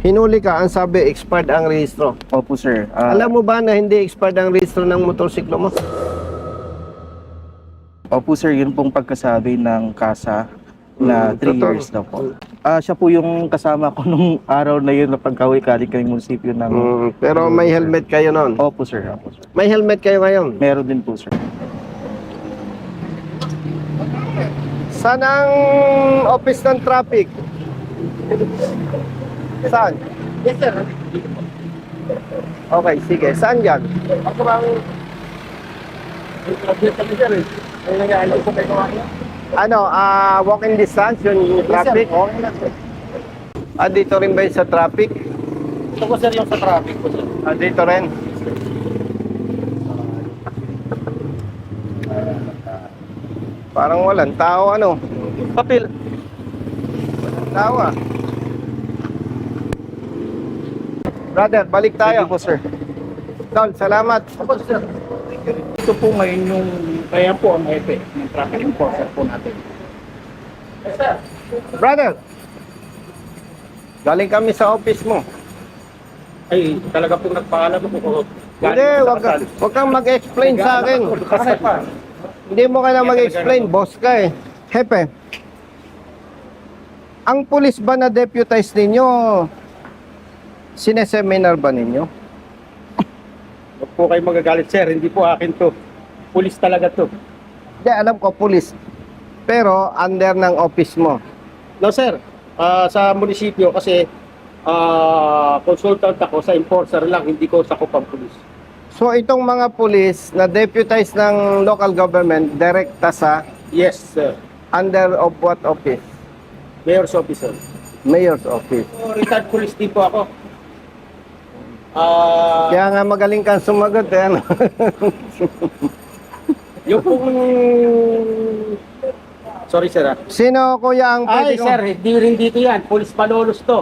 Hinuli ka, ang sabi, expired ang rehistro. Opo, sir. Alam mo ba na hindi expired ang rehistro ng motorsiklo mo? Opo, sir. Yun pong pagkasabi ng kasa na 3 totoo. years na po. Siya po yung kasama ko nung araw na yun na pagkawi kaling kami munisipyo ng... Pero may helmet kayo noon. Opo, sir. Opo, sir. May helmet kayo ngayon. Meron din po, sir. Saan ang office ng traffic? Saan? Yes, sir. Okay, sige. Saan yan? Ako bang... Object kami, sir, eh. Ay, nag-aalis ko kayo kawain. Ano, walking distance yung traffic? Okay lang, sir. Dito rin ba yung sa traffic? Ito po, sir, yung sa traffic po, sir. Dito rin. Parang walang tao, ano? Papel. Walang tao, ah. Brother, balik tayo. Sige po, sir. Tol, salamat. Opo, sir. Ito po ngayon yung... Kaya po ang epe ng traffic enforcer po natin. Yes, sir. Brother, galing kami sa office mo. Ay, talaga po nagpaalam po. Hindi, wag kang mag-explain sa akin. Hindi mo kailangan mag-explain, boss ka eh. Hepe, ang pulis ba na deputize ninyo, sineseminar ba ninyo? Huwag po kayo magagalit, sir. Hindi po akin to. Pulis talaga to. Hindi, alam ko, pulis. Pero, under ng office mo. No, sir. Sa munisipyo kasi consultant ako sa enforcer lang, hindi ko sakop ang pulis. So, itong mga pulis na deputize ng local government, direkta sa Yes, sir. under of what office? Mayor's officer. Mayor's office. Retired police din po ako. Kaya nga magaling kang sumagot eh, ano? Yung pong... Sorry, sir. Sino kuya ang pwede Ay, sir, hindi rin dito yan. Police Malolos to.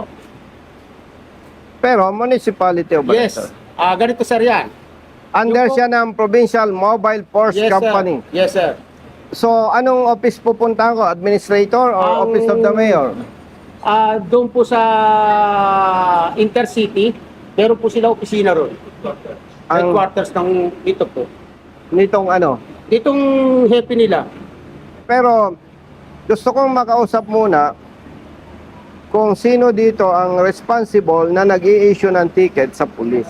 Pero municipality o ba Yes. ito? Ganito, sir, yan. Under Yung po- siya ng Provincial Mobile Force Yes, Company. sir. Yes, sir. So, anong office pupuntahan ko? Administrator or Ang- Office of the Mayor? Doon po sa Intercity, meron po sila opisina ron. Ang- Headquarters ng dito po. Nitong ano? Ditong happy nila. Pero, gusto kong makausap muna kung sino dito ang responsible na nag-i-issue ng ticket sa pulis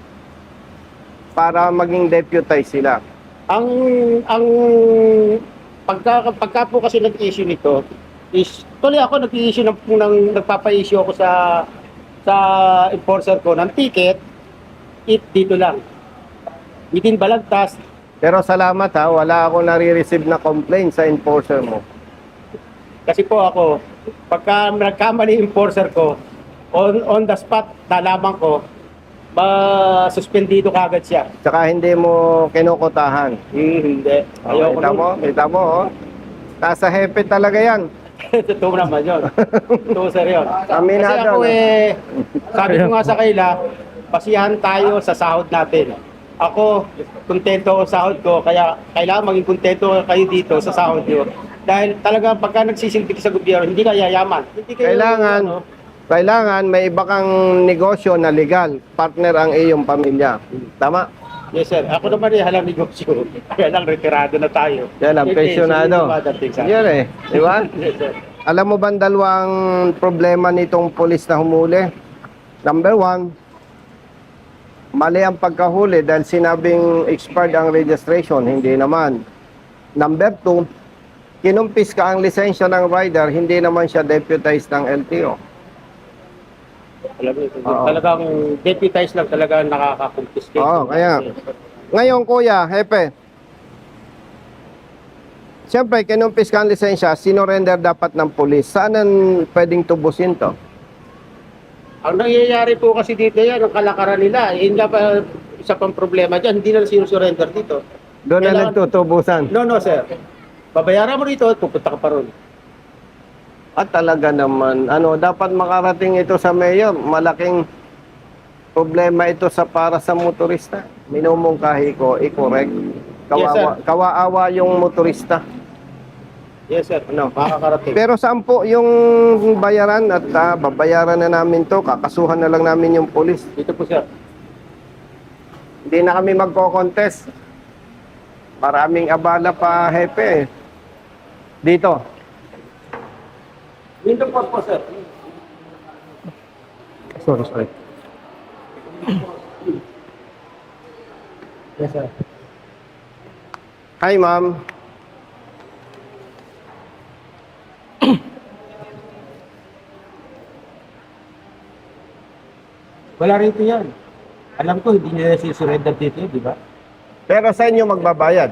para maging deputize sila. Ang pagka po kasi nag-issue nito is tuloy ako nag-issue ng nagpapa-issue ako sa enforcer ko ng ticket dito lang. Within Balagtas. Pero salamat ha, wala ako nare-receive na complaint sa enforcer mo. Kasi po ako, pagka nagkamali yung enforcer ko, on the spot, nalaman ko, suspendido kagad siya. Tsaka hindi mo kinukutahan. Hindi. Oh, kita mo, oh. Nasa hepe talaga yan. Totoo naman yun. Totoo, sir, yun. Aminado, Kasi ako no? sabi ko nga sa kaila, basihan tayo sa sahod natin. Ako, kontento ako sa sahod ko, kaya kailangan maging kontento kayo dito sa sahod nyo. Dahil talaga pagka nagsisilbi sa gobyerno, hindi ka yayaman. Hindi kayo, Kailangan may iba kang negosyo na legal. Partner ang iyong pamilya. Tama? Yes, sir. Ako naman halang negosyo. Kaya lang, retirado na tayo. Yan ang pensyonado. Yan eh. Di ba? Yes, sir. Alam mo ba ang dalawang problema nitong pulis na humuli? Number one, mali ang pagkahuli dahil sinabing expired ang registration. Hindi naman. Number two, kinumpis ka ang lisensya ng rider, hindi naman siya deputized ng LTO. Oo. Talagang deputized lang talaga nakaka-confiscate. Oo, kaya. Ngayon, kuya, hepe, siyempre, kinumpis ka ang lisensya, sinorender dapat ng pulis. Saan ang pwedeng tubusin to? Ang nangyayari po kasi dito yan, ang kalakaran nila, yun nga pa isa pang problema dyan, hindi na sinusurrender dito. Doon na Kailangan- nagtutubusan. No, sir. Babayaran mo dito, pupunta ka pa ron. At talaga naman, dapat makarating ito sa mayor. Malaking problema ito para sa motorista. Minumungkahi ko, i-correct. Yes, sir. Kawaawa yung motorista. Yes, sir. Ano? Makakarating. Pero saan po yung bayaran at babayaran na namin to, kakasuhan na lang namin yung pulis. Dito po, sir. Hindi na kami magko-contest. Maraming abala pa, hepe. Dito. Dito po, sir. Sorry. Yes, sir. Hi, ma'am. Wala rito yan. Alam ko, hindi nila sisurrender dito, di ba? Pero sa inyo magbabayad.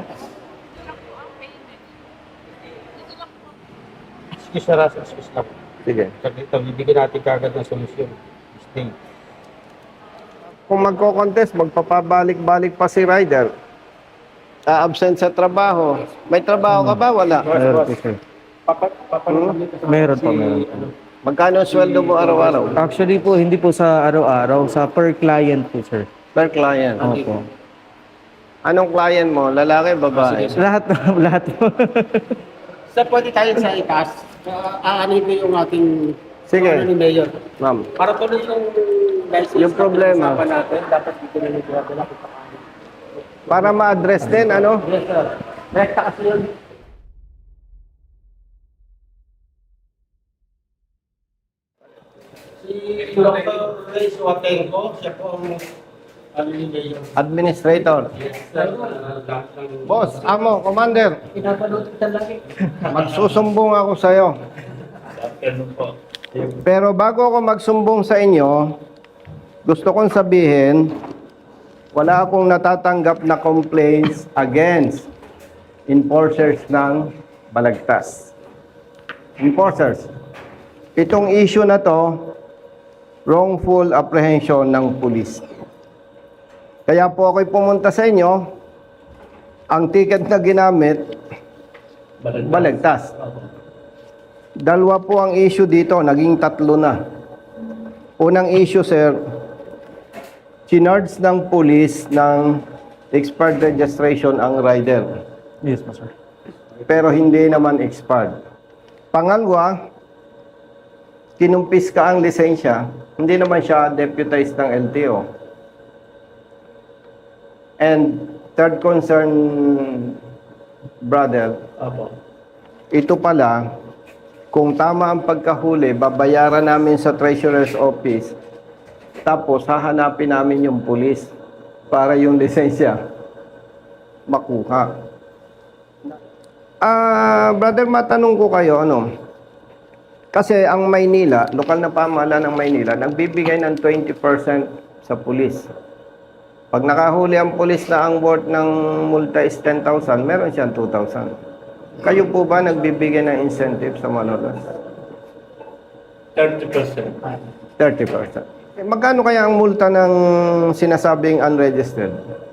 Excuse na, excuse lang. Sige. Saglit lang, bibigyan natin kagad ng solusyon. Stay. Kung magko-contest, magpapabalik-balik pa si rider. Absent sa trabaho. May trabaho ka ba? Wala. Meron po, sir. Meron po, meron po. Magkano ang sweldo mo araw-araw? Actually po, hindi po sa araw-araw, sa per client po, sir. Per client. Opo. Anong client mo? Lalaki, babae? Lahat, lahat po. Sir, pwede tayo sa itaas. Aanin ko yung ating Sige. ni Mayor. Ma'am. Para tuloy yung license Yung problema. na pinag-usapan natin, dapat dito na nagdadala ko pa. Para ma-address din, ano? Yes, sir. Rekta kasi yun. Si Dr. Ray Suatenco, siya po ang ni Mayor. Administrator. Yes, sir. Lahat ng- Boss, amo, commander. Pinapanood kita lagi. Magsusumbong ako sa'yo. Pero bago ako magsumbong sa inyo, gusto kong sabihin, wala akong natatanggap na complaints against enforcers ng Balagtas. Enforcers. Itong issue na to, wrongful apprehension ng pulis. Kaya po ako'y pumunta sa inyo, ang ticket na ginamit, Balagtas. Dalawa po ang issue dito, naging tatlo na. Unang issue, sir, chinards ng police ng expired registration ang rider. Yes po, sir. Pero hindi naman expired. Pangalawa, kinumpis ka ang lisensya, hindi naman siya deputized ng LTO. And third concern, brother, ito pala, kung tama ang pagkahuli, babayaran namin sa Treasurer's Office, tapos hahanapin namin yung pulis para yung lisensya makuha. Brother, matanong ko kayo, ano? Kasi ang Maynila, lokal na pamahalaan ng Maynila, nagbibigay ng 20% sa pulis. Pag nakahuli ang pulis na ang worth ng multa is 10,000, meron siyang 2,000. Kayo po ba nagbibigay ng incentive sa manolos? 30%. 30%. Magkano kaya ang multa ng sinasabing unregistered?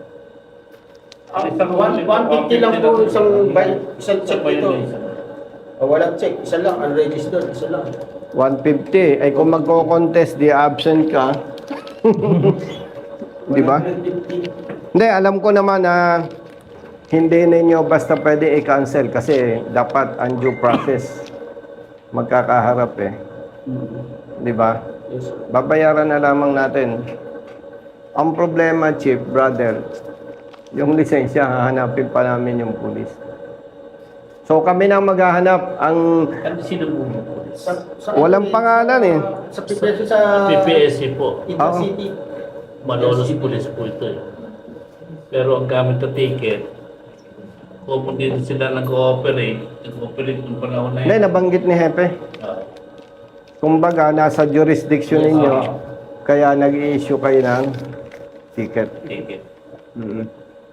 150 lang po isang check dito. Walang check, isa lang, unregistered, isa lang. 150. Ay kung magko-contest, di absent ka. Di ba? 150. Hindi, alam ko naman na hindi ninyo basta pwede i-cancel kasi dapat ang due process magkakaharap eh. Di ba? Yes, sir. Babayaran na lamang natin. Ang problema, Chief, brother, yung lisensya, hahanapin pa namin yung pulis. So kami na maghahanap ang Ano sino po? walang pangalan eh. Sa PPSC sa PPSC po. Intercity. Malolos Police po ito eh. Pero ang gamit na ticket, kung hindi sila nag-cooperate, nag-cooperate ng panahon na Hindi, yun. nabanggit ni Hepe. Ah, Kumbaga, nasa jurisdiction ninyo, kaya nag-i-issue kayo ng ticket. ticket. Mm.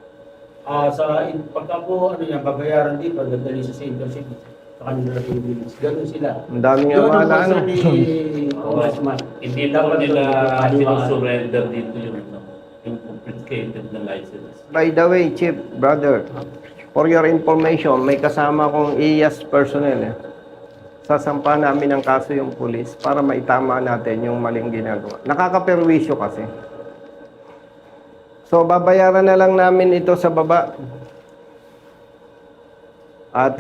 Pagka po, babayaran dito, dadali sa Intercity. Sa kanila na Pilipinas. Ganun sila. Ang daming Yun ang abala, ano? concern ni Congressman. Hindi dapat nila sinusurrender dito yung complicated na license. By the way, Chief, brother, for your information, may kasama kong IAS personnel. Sasampa namin ang kaso yung pulis para maitama natin yung maling ginagawa. Nakakaperwisyo kasi. So, babayaran na lang namin ito sa baba. At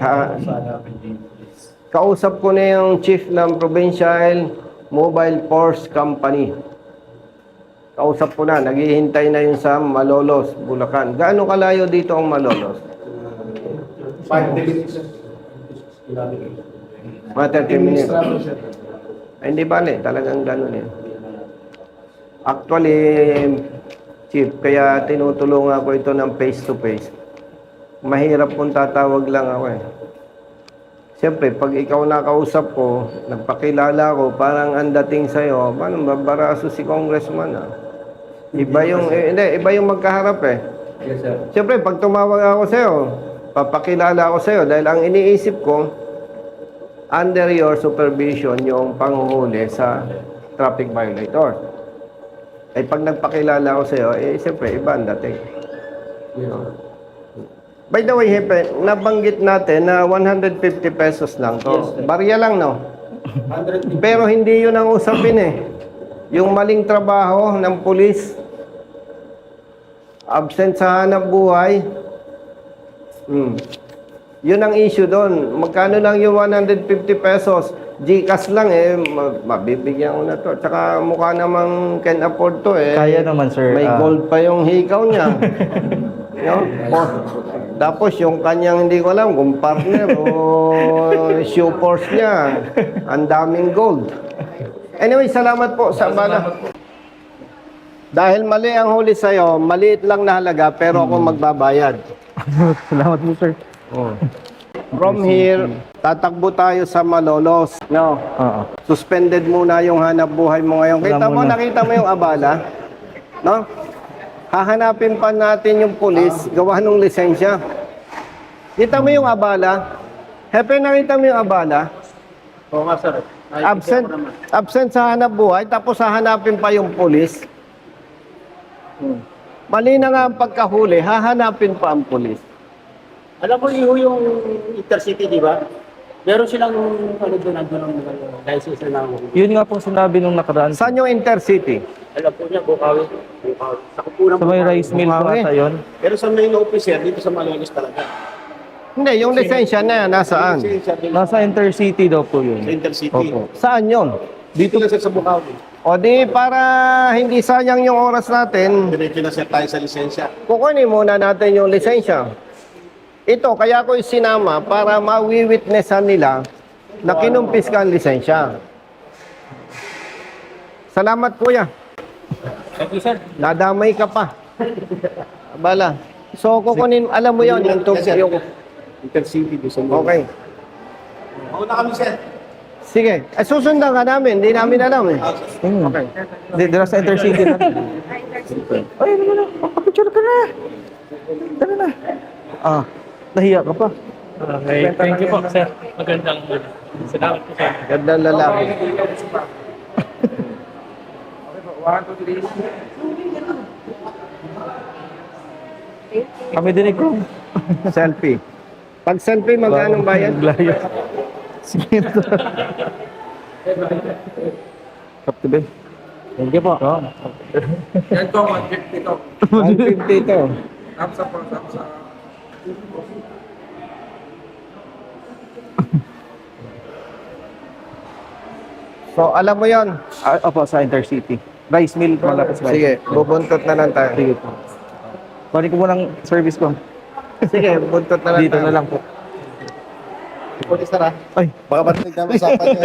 kausap ko na yung chief ng Provincial Mobile Force Company. Kausap ko na, naghihintay na yun sa Malolos, Bulacan. Gaano kalayo dito ang Malolos? 5 minutes. Mga 30 minutes. Ay, hindi bale, talagang ganun eh. Actually, chief, kaya tinutulungan ko ito ng face to face. Mahirap kung tatawag lang ako eh. Siyempre, pag ikaw nakausap ko, nagpakilala ko, parang ang dating sa'yo, paano babaraso si congressman ah? Iba yung, hindi, iba yung magkaharap eh. Yes, sir. Siyempre, pag tumawag ako sa'yo, papakilala ako sa'yo dahil ang iniisip ko, under your supervision yung panghuhuli sa traffic violator. Ay pag nagpakilala ako sa'yo, eh siyempre, iba ang dating. By the way, Hepe, nabanggit natin na 150 pesos lang to. Barya lang, no? 100. Pero hindi yun ang usapin eh. Yung maling trabaho ng pulis, absent sa hanap buhay, yun ang issue doon. Magkano lang yung 150 pesos? Gcash lang eh, mabibigyan ko na to. Tsaka mukha namang can afford to eh. Kaya naman, sir. May gold pa yung hikaw niya. No? Tapos yung kanyang hindi ko alam kung partner o shoe force niya, ang daming gold. Anyway, salamat po sa abala. Dahil mali ang huli sa'yo, maliit lang na halaga pero ako magbabayad. Salamat po, sir. From here, tatakbo tayo sa Malolos. No? Oo. Suspended muna yung hanap buhay mo ngayon. Wala Kita mo, muna. nakita mo yung abala? No? Hahanapin pa natin yung pulis, gawa ng lisensya. Kita mo yung abala? Hepe, nakita mo yung abala? Oo nga, sir. Absent sa hanap buhay, tapos hahanapin pa yung pulis. Mali na nga ang pagkahuli, hahanapin pa ang pulis. Alam mo, iho yung intercity, di ba? Meron silang, ano doon, ang license na lang. Yun nga po sinabi nung nakaraan. Saan yung intercity? Alam po niya, Bukawi. Sa kupunan Sa may rice mill po Bukawi. ata yun. Pero sa main officer, dito sa Malolos talaga. Hindi, yung lisensya na yan, nasaan? Nasa intercity daw po yun. Sa intercity. Opo. Saan yun? Dito lang sir sa Bukawi. O di, para hindi sayang yung oras natin, Diretso na sir tayo sa lisensya. kukunin muna natin yung lisensya. Ito, kaya ko sinama para mawi-witnessan nila na kinumpis ka ang lisensya. Salamat, kuya. Thank you, sir. Nadamay ka pa. Bala. So, kukunin, alam mo yun, yung yung... Intercity doon sa Malolos. Okay. Mauna kami, sir. Sige. Susundan ka namin. Hindi namin alam eh. Okay. Dira sa intercity na. Ay, ano na? Papapicture ka na. Tara na. Ah, nahiya ka pa. Okay, thank you po, sir. Magandang salamat po, sir. Gandang lalaki. Kami din ko. Selfie. Pag selfie, magkano bayad? Layo. Sige ito. Kaptibe. Thank you po. Yan to, 150 to. 150 ito. Thumbs up po, thumbs up. So, alam mo yon. Opo, sa intercity. Rice mill, malapit sa rice. Sige, bubuntot na lang tayo. Sige po. Balik ko mo ng service ko. Sige, buntot na lang Dito tayo. na lang po. Police, sir, ha? Ay, Baka batinig namin usapan niyo.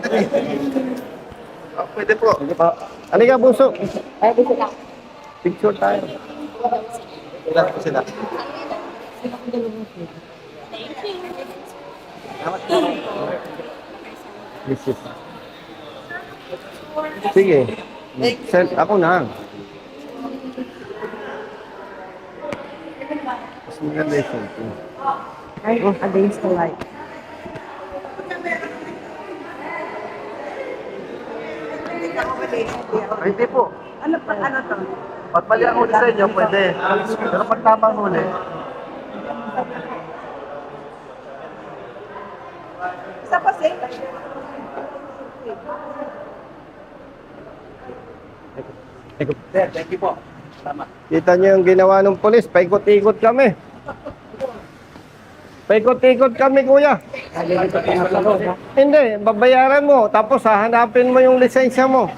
Pwede po. Halika, bunso. Picture tayo. Ilan po sila? This is... Sige. Ako na. Mas maganda yung selfie. Against the light. Hindi po. Ano to? Pag mali ang huli sa inyo, pwede. Pero pag tama ang huli, Isa pa safe. Sir, thank you po. Tama. kita nyo yung ginawa ng polis, paikot-ikot kami. Paikot-ikot kami, kuya. Hindi, babayaran mo. Tapos hahanapin mo yung lisensya mo.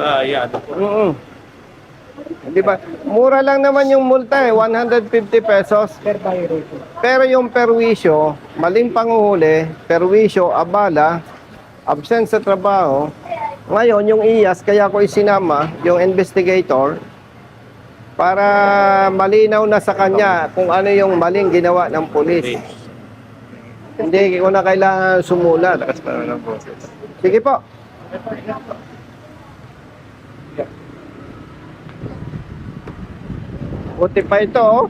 Di ba? Mura lang naman yung multa 150 pesos. Pero yung perwisyo, maling panguhuli, perwisyo, abala, absent sa trabaho. Ngayon, yung IAS, kaya ko isinama, yung investigator, para malinaw na sa kanya kung ano yung maling ginawa ng pulis. Hindi ko na kailangan sumulat. Sige po. Buti pa ito, oh.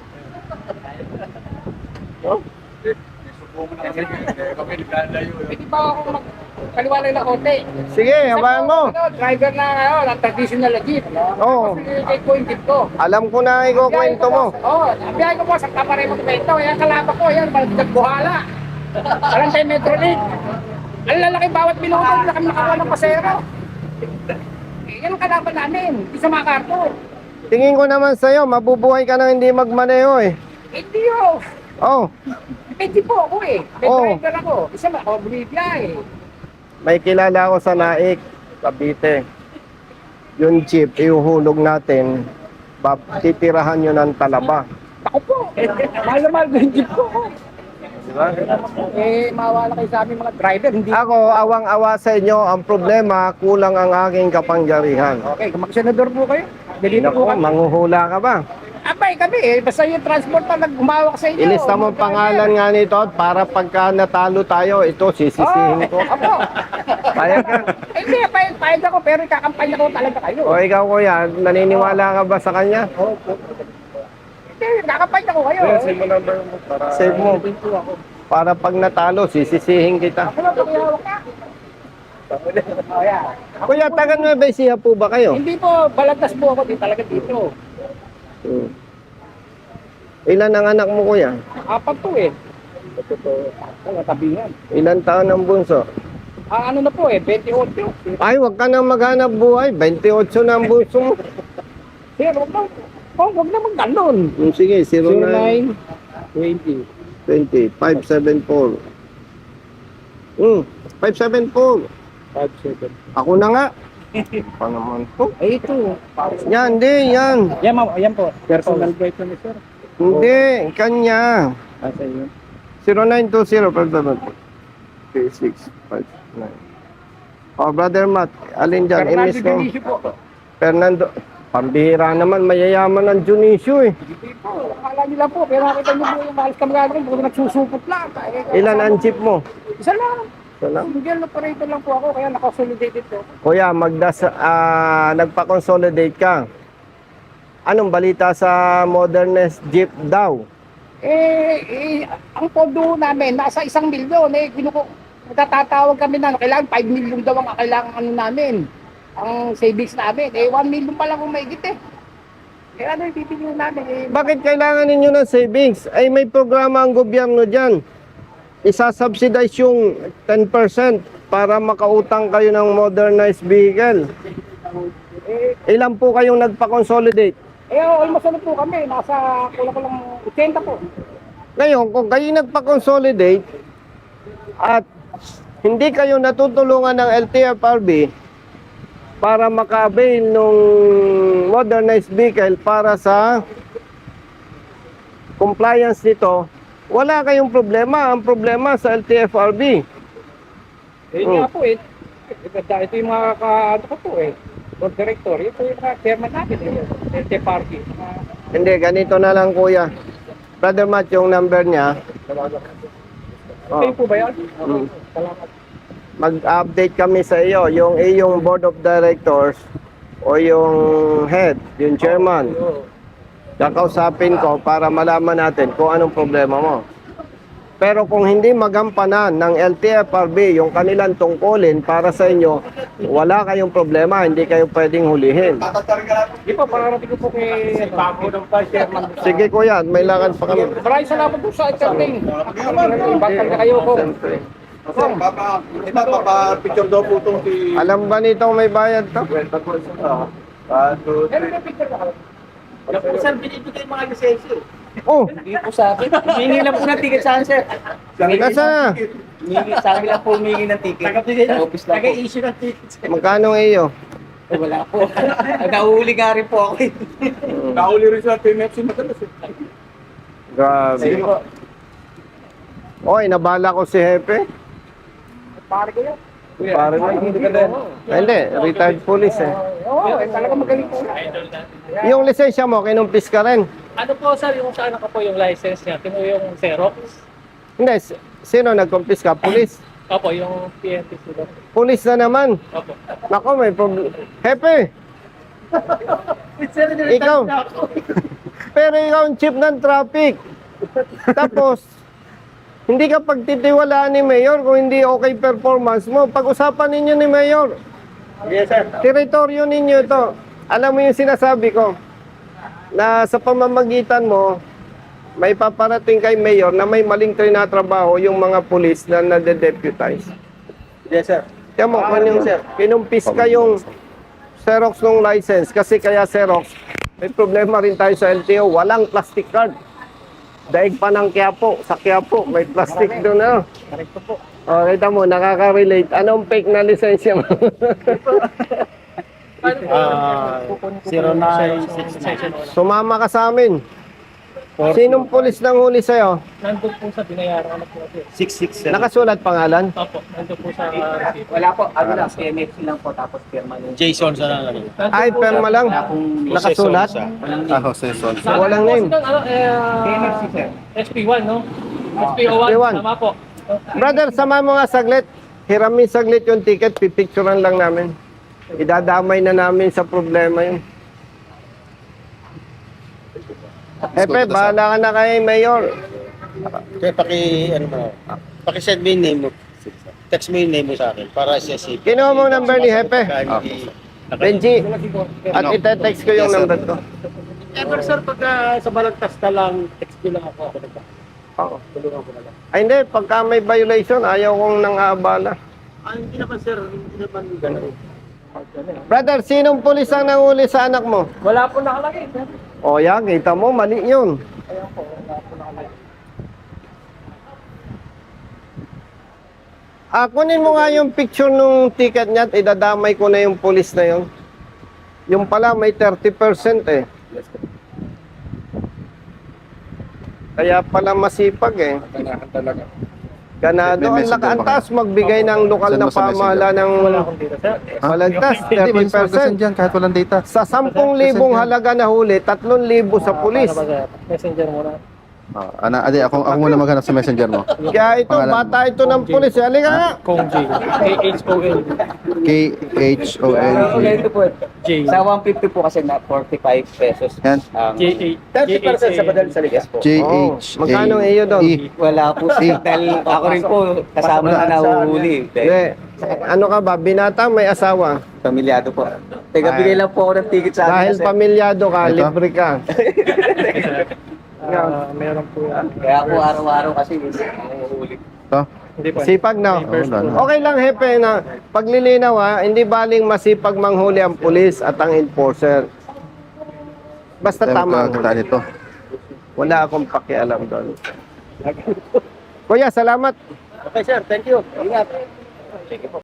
Pwede ba ako magkaliwalay na konti? Sige, habayan mo. Driver na ng traditional na jeep. Oo. Kasi ko yung jeep ko. Alam ko na ikukwento mo. Oo, biyahe ko po sa Cabaret Monumento. Yan kalaba ko, yan, Balagdag Buhala. Alam tayo Metro League. Ang lalaki bawat minuto, na kami nakakuha ng pasero. Yan ang kalaban namin, di sa mga karto. Tingin ko naman sa'yo, mabubuhay ka nang hindi magmaneho eh. Hindi yun. Oh, Hindi po ako eh. May Oo. driver ako. Isa ba, ako bumibiyahe. may kilala ako sa Naik, Cavite. Yung jeep, ihuhulog natin, titirahan nyo ng talaba. Ako po. Mahal na mahal ko yung jeep ko. Diba? Eh, mawala kayo sa aming mga driver. Hindi. Ako, awang-awa sa inyo, ang problema, kulang ang aking kapangyarihan. Okay, kung mag-senador po kayo. Delito po Naku, kami. manghuhula ka ba? Abay kami eh. Basta yung transport pa nag-umawak sa inyo. Ilista mo ang pangalan nga nito at para pagka natalo tayo, ito sisisihin ko. Opo. Payag ka. Hindi, payag ako pero ikakampanya ko talaga kayo. O ikaw kuya, naniniwala ka ba sa kanya? Hindi, ikakampanya ko kayo. Save mo. Para pag natalo, sisisihin kita. Ako lang pakihawak ka. Oh, yeah. Kuya, taga Nueva Ecija po ba kayo? Hindi po, balagtas po ako din talaga dito. Hmm. Ilan ang anak mo kuya? Apat to eh. Ang tabingan. Ilan taon ang bunso? Ano na po eh, 28. Ay, wag ka nang maghanap buhay. 28 na ang bunso mo. Sir, huwag naman ganun. Sige, 09 20. 20 574. 574. 57. Ako na nga. Pa naman to. Ay, ito. Yan, di, yan. Yan po. Personal guide ni sir. Hindi, kanya. Asa yun? 0920 3659. Oh, Brother Matt, alin dyan? Fernando Imis ko. Dionisio po. Fernando. Pambihira naman, mayayaman ng Dionisio eh. Hindi po. Akala nila po. Pero nakita niyo po yung mahal kang gagawin. Puro nagsusupot lang. Ilan ang jeep mo? Isa lang. Salam. Single operator lang po ako. Kaya nakasolidated po. Kuya, nagpa-consolidate ka. Anong balita sa modernist jeep daw? Ang pondo namin, nasa 1 milyon. Nagtatawag kami na kailangan 5 milyon daw ang kailangan ano namin. Ang savings namin. 1 milyon pa lang kung maigit eh. Ano yung bibigyan namin? Bakit kailangan ninyo ng savings? Ay may programa ang gobyerno dyan. Isa-subsidize yung 10% para makautang kayo ng modernized vehicle. Ilan po kayong nagpa-consolidate? Almost ano po kami. Nasa kulang 80 po. Ngayon, kung kayo nagpa-consolidate at hindi kayo natutulungan ng LTFRB para maka-avail ng modernized vehicle para sa compliance nito, wala kayong problema. Ang problema sa LTFRB. Nga po eh. Ito yung mga ano ko po eh. Board director. Ito yung mga chairman natin eh. LT Party. Hindi, ganito na lang kuya. Brother Matt, yung number niya. Kayo po ba yan? Salamat. Mag-update kami sa iyo. Yung iyong board of directors o yung head, yung chairman. Kakausapin ko para malaman natin kung anong problema mo. Pero kung hindi magampanan ng LTFRB yung kanilang tungkulin para sa inyo, wala kayong problema, hindi kayo pwedeng hulihin. Di po, pararating ko po kay Bago ng Chairman. Sige kuya, may lakad pa kami. Maraming salamat po sa attending. Bakal na kayo ko. Siyempre. Picture daw po itong Alam ba nitong may bayad to? Meron na picture ka. Yan po, sir, binibigay yung mga lisensya. Oh, Hindi po sa akin. Humingi lang po ng ticket sa akin, sir. nasa na? Sa amin lang po humingi ng ticket. Sa office lang po. Taga-issue ng tickets. Magkano iyo? Wala po. Nahuli nga rin po ako. Nahuli rin sa PMFC madalas eh. Grabe. Sige po. Oy, nabala ko si Hepe. Pare ko yan. Parang hindi ka din. Hindi, retired police eh. Oo, talaga magaling po. Yung lisensya mo, kinumpis ka rin. Ano po sir, yung sa anak ko po yung license niya, tino yung Xerox. Hindi, sino nagkumpis ka? Police? Opo, yung PNP sila. Police na naman. Opo. Nako, may problem. Hepe! Ikaw. Pero ikaw ang chief ng traffic. Tapos, hindi ka pagtitiwalaan ni Mayor kung hindi okay performance mo. Pag-usapan ninyo ni Mayor. Yes, sir. Teritoryo ninyo ito. Alam mo yung sinasabi ko, na sa pamamagitan mo, may paparating kay Mayor na may maling trinatrabaho yung mga pulis na nade-deputize. Yes, sir. Kaya mo, kinumpis ka yung Xerox ng license kasi kaya Xerox, may problema rin tayo sa LTO, walang plastic card. Daig pa ng Quiapo, sa Quiapo, may plastic doon na. Correcto po. O, kita mo, nakaka-relate. Anong fake na lisensya mo? 0969. Sumama ka sa amin. Sinong pulis nang huli sa'yo? Nandun po sa binayaran ko na po. 667. Nakasulat pangalan? Opo, nandun po sa receipt. Wala po. Ano lang, PMFC lang po. Tapos pirma nun. Jason sa ano. Nandun Ay, po perma lang. Nakasulat? Walang Sa Walang akin po, name. Ano, PMFC, sir. SP1, no? SP01, SP1. tama po. Brother, sama mo nga saglit. Hiramin saglit yung ticket, pipicturean lang namin. Idadamay na namin sa problema yun. Epe, bahala ka na kay Mayor. Kaya paki-send mo yung name mo. Text mo yung name mo sa akin para sa CP. Kinuha mo ang number ni Hepe. Benji, at ite-text ko yung number ko. Ever sir, pagka sa balagtas na lang, text mo lang ako. Oo. Tulungan ko na lang. Ay hindi, pagka may violation, ayaw kong nang-aabala. Hindi naman sir, hindi naman gano'n. Brother, sinong pulis ang nanguli sa anak mo? Wala po nakalagay. sir. O yan, kita mo, mali yun. Kunin mo nga yung picture nung ticket niya at idadamay ko na yung pulis na yun. Yung pala may 30% eh. Kaya pala masipag eh. Kanahan talaga. Ganado ang taas magbigay ng lokal na pamahala ng Wala akong dito, sir. malagtas, Hindi, may send 30%. dyan kahit walang data. Sa 10,000 halaga na huli, 3,000 sa pulis. Para mag- Messenger muna. Ako muna maghanap sa messenger mo. Kaya ito, bata ito ng pulis. Halika nga. Kong J. K-H-O-L. K-H-O-L. Ganito po. J. Sa 150 po kasi na 45 pesos. Yan. J-A. 30% sa badal sa ligas po. J-H-A-E. Magkano iyo doon? Wala po siya. Dahil ako rin po kasama na nahuhuli. Hindi. Ano ka ba? Binata, may asawa. Pamilyado po. Teka, bigay lang po ako ng ticket sa Dahil akin. pamilyado ka, Ito? libre ka. Meron po yan. Kaya po araw-araw kasi nahuhuli. Ito? Hindi po. Sipag na. wala na. Okay lang, Hepe, na paglilinaw ha, hindi baling masipag manghuli ang pulis at ang enforcer. Basta tama. Kakitaan ito. Wala akong pakialam doon. Kuya, salamat. Okay sir, thank you. Ingat.